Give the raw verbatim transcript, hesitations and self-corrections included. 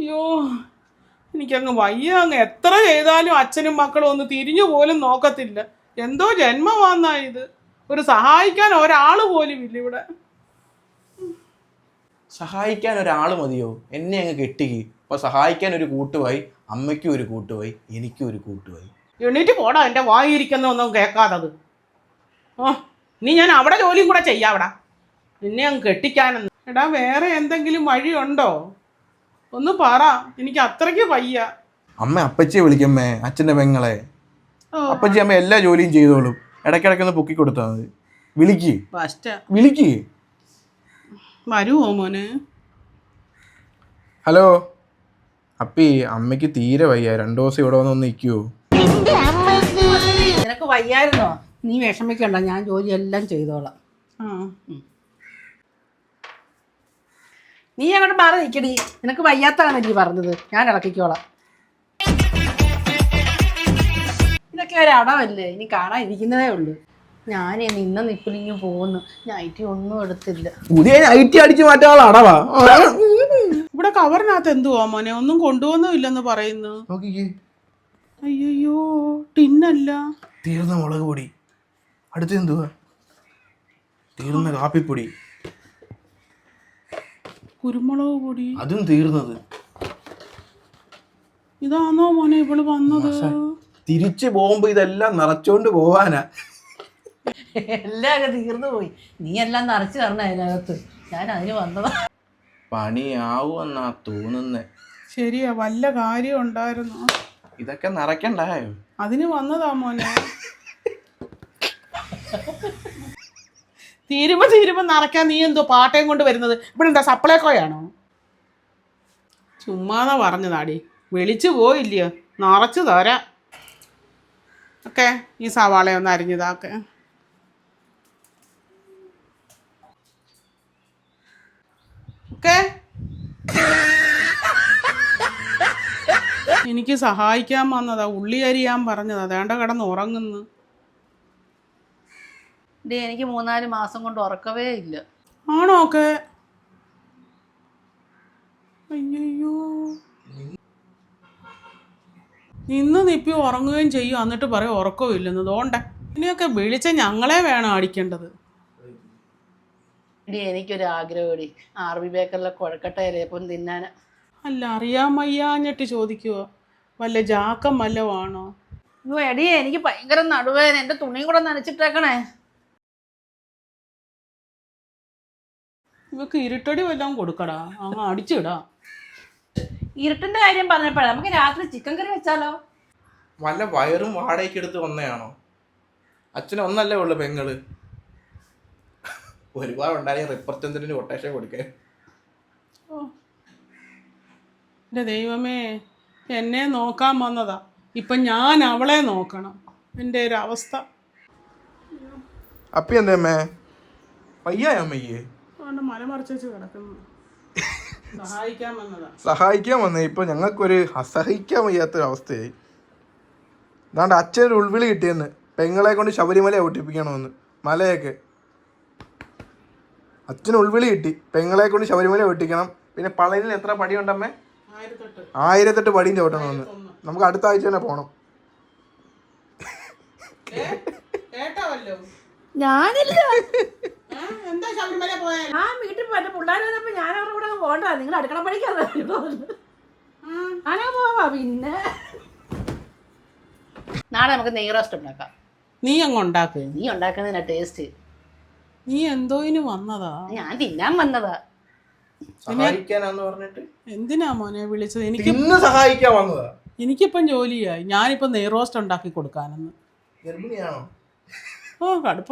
അയ്യോ എനിക്കങ്ങ് വയ്യ. അങ്ങ് എത്ര ചെയ്താലും അച്ഛനും മക്കളും ഒന്ന് തിരിഞ്ഞു പോലും നോക്കത്തില്ല. എന്തോ ജന്മമാന്നാ ഇത്. ഒരു സഹായിക്കാൻ ഒരാൾ പോലും ഇല്ല ഇവിടെ. സഹായിക്കാൻ ഒരാൾ മതിയോ? എന്നെ അങ്ങ് കെട്ടിക്ക്. അപ്പൊ സഹായിക്കാൻ ഒരു കൂട്ടുപോയി, അമ്മയ്ക്കും ഒരു കൂട്ടുപോയി, എനിക്കും ഒരു കൂട്ടുപോയി. എണീറ്റ് പോടാ, എൻ്റെ വായിരിക്കുന്ന ഒന്നും കേൾക്കാതത്. ഓ നീ ഞാൻ അവിടെ ജോലിയും കൂടെ ചെയ്യാവിടാ, നിന്നെ അങ്ങ് കെട്ടിക്കാനെന്ന്. എടാ വേറെ എന്തെങ്കിലും വഴിയുണ്ടോ? ഒന്ന് പറ, എനിക്ക് അത്രയ്ക്ക് വയ്യ. അമ്മ അപ്പച്ചിയെ വിളിക്കമ്മേ, അച്ഛൻ്റെ പെങ്ങളെ. അപ്പച്ചി അമ്മ എല്ലാ ജോലിയും ചെയ്തോളും. ഇടയ്ക്കിടയ്ക്കൊന്ന് പൊക്കി കൊടുത്താൽ മതി. വിളിക്ക് വിളിക്ക്. വരുമോ മോനെ? ഹലോ അപ്പി, അമ്മയ്ക്ക് തീരെ വയ്യ. രണ്ടു ദിവസം ഇവിടെ വന്ന് ഒന്ന് നിൽക്കുവോ? നിനക്ക് വയ്യായിരുന്നോ? നീ വിഷമിക്കണ്ട, ഞാൻ ജോലി എല്ലാം ചെയ്തോളാം. ആ നീ അങ്ങോട്ട് മാറി നിൽക്കടി. നിനക്ക് വയ്യാത്തതാണ് നീ പറഞ്ഞത്, ഞാൻ ഇളക്കിക്കോളാം. ഇതൊക്കെ ഒരു അടവല്ലേ, ഇനി കാണാൻ ഇരിക്കുന്നതേ ഉള്ളൂ. ഞാൻ നിന്ന നിപ്പിലിങ്ങ് പോകുന്നു. നൈറ്റി ഒന്നും എടുത്തില്ല. പുതിയ നൈറ്റി അടിച്ചു മാറ്റാനുള്ള അടവാ. ഇവിടെ കവറിനകത്ത് എന്തുവാ മോനെ? ഒന്നും കൊണ്ടുവന്നും ഇല്ലെന്ന് പറയുന്നു. അയ്യോ ടിന്നല്ല. തീർന്ന മുളക് പൊടി. അടുത്ത് എന്തുവാ? തീർന്ന കാപ്പിപ്പൊടി. കുരുമുളക് പൊടി. അതും തീർന്നത്. ഇതാണോ മോനെ ഇവള് വന്നത്? തിരിച്ചു പോകുമ്പോ ഇതെല്ലാം നിറച്ചോണ്ട് പോവാനാ. എല്ലാം തീർന്നു പോയി. നീ എല്ലാം നിറച്ചു തരണം അതിനകത്ത്. ഞാൻ അതിന് വന്നതാ. പണിയാവുമെന്നാ തോന്നുന്നേ. ശരിയാ, വല്ല കാര്യം ഉണ്ടായിരുന്നു. ഇതൊക്കെ നിറയ്ക്കണ്ടായോ? അതിന് വന്നതാ മോനെ. തീരുമ്പോ തീരുമ്പോ നിറയ്ക്കാൻ നീ എന്തോ പാട്ടയും കൊണ്ട് വരുന്നത്? ഇവിടെ എന്താ സപ്ലൈക്കോയാണോ? ചുമ്മാതാ പറഞ്ഞതാടി, വിളിച്ചു പോയില്ലയോ? നിറച്ചു തരാം. ഓക്കെ, ഈ സവാളയൊന്ന് അരിഞ്ഞതാക്കെ. ഓക്കെ, എനിക്ക് സഹായിക്കാൻ വന്നതാ. ഉള്ളി അരിയാൻ പറഞ്ഞതാ. വേണ്ട കിടന്ന് ഉറങ്ങുന്നു. ഡേ എനിക്ക് മൂന്നാല് മാസം കൊണ്ട് ഉറക്കവേ ഇല്ല. ആണോ? ഒക്കെ അയ്യോ, ഇന്ന് നിപ്പി ഉറങ്ങുകയും ചെയ്യും, എന്നിട്ട് പറയും ഉറക്കവും ഇല്ലെന്ന്. തോണ്ട ഇനിയൊക്കെ വിളിച്ച ഞങ്ങളെ വേണം അടിക്കേണ്ടത്. ഡി എനിക്കൊരു ആഗ്രഹം, ആർ ബി ബേക്കറിലെ കുഴക്കട്ടയിലേപ്പം തിന്നാൻ. അല്ല, അറിയാൻ വയ്യാഞ്ഞിട്ട് ചോദിക്കുവോ? വല്ല ജാക്കം വല്ലതും ആണോ? അയ്യോ എടിയേ, എനിക്ക് ഭയങ്കര നടുവേദന. എൻ്റെ തുണിയും കൂടെ നനച്ചിട്ടേക്കണേ. ഇവക്ക് ഇരുട്ടടി വല്ലതും കൊടുക്കടാ, അങ്ങ് അടിച്ചിടാ. ഇരുട്ടിന്റെ കാര്യം പറഞ്ഞപ്പോഴാ, നമുക്ക് രാത്രി ചിക്കൻ കറി വെച്ചാലോ? വല്ല വയറും വാടകയ്ക്ക് എടുത്ത് വന്നയാണോ? അച്ഛന് ഒന്നല്ലേ ഉള്ളു പെങ്ങള്. ഒരുപാട് ഉണ്ടായി റിപ്പർച്ചന്തിന് കൊട്ടേഷൻ കൊടുക്കാൻ. ഓ എൻ്റെ ദൈവമേ, എന്നെ നോക്കാൻ വന്നതാ, ഇപ്പം ഞാൻ അവളെ നോക്കണം. എൻ്റെ ഒരു അവസ്ഥ. അപ്പി എന്തേ വയ്യ അമ്മയ്യേ? മലമറിച്ച് കിടക്കുന്നു. സഹായിക്കാൻ വന്നതാ. സഹായിക്കാൻ വന്നേ. ഇപ്പൊ ഞങ്ങൾക്കൊരു അസഹിക്കാൻ വയ്യാത്തൊരു അവസ്ഥയായി. അതാണ്ട് അച്ഛനൊരു ഉൾവിളി കിട്ടിയെന്ന്, പെങ്ങളെ കൊണ്ട് ശബരിമല ഒട്ടിപ്പിക്കണമെന്ന്. മലയൊക്കെ അച്ഛന് ഉൾവിളി കിട്ടി, പെങ്ങളെ കൊണ്ട് ശബരിമല ഒട്ടിക്കണം. പിന്നെ പളനിൽ എത്ര പടിയുണ്ടമ്മേ? ആയിരത്തെട്ട് പടിയും ചവിട്ടണമെന്ന്. നമുക്ക് അടുത്ത ആഴ്ച തന്നെ പോണം. ഞാനില്ല, ആ വീട്ടിൽ പോയ പിള്ളേർ വന്നപ്പോ ഞാൻ അവരുടെ കൂടെ പോകണ്ട. നിങ്ങൾ അടുക്കള പണിക്കാതെ ഞാനാ പോവാ. പിന്നെ നാളെ നമുക്ക് നെയ് റോസ്റ്റ് ഉണ്ടാക്കാം. നീ അങ്ങ് ഉണ്ടാക്ക്. നീ ഉണ്ടാക്കുന്നതിനാ ടേസ്റ്റ്. നീ എന്തോയിന് വന്നതാ? ഞാൻ തിന്നാൻ വന്നതാ. എന്തിനാ മോനെ വിളിച്ചത്? എനിക്ക് സഹായിക്കാൻ വന്നതാ. എനിക്കിപ്പം ജോലിയായി. ഞാനിപ്പം നെയ് റോസ്റ്റ് ഉണ്ടാക്കി കൊടുക്കാനെന്ന്. ഓ കടുപ്പ.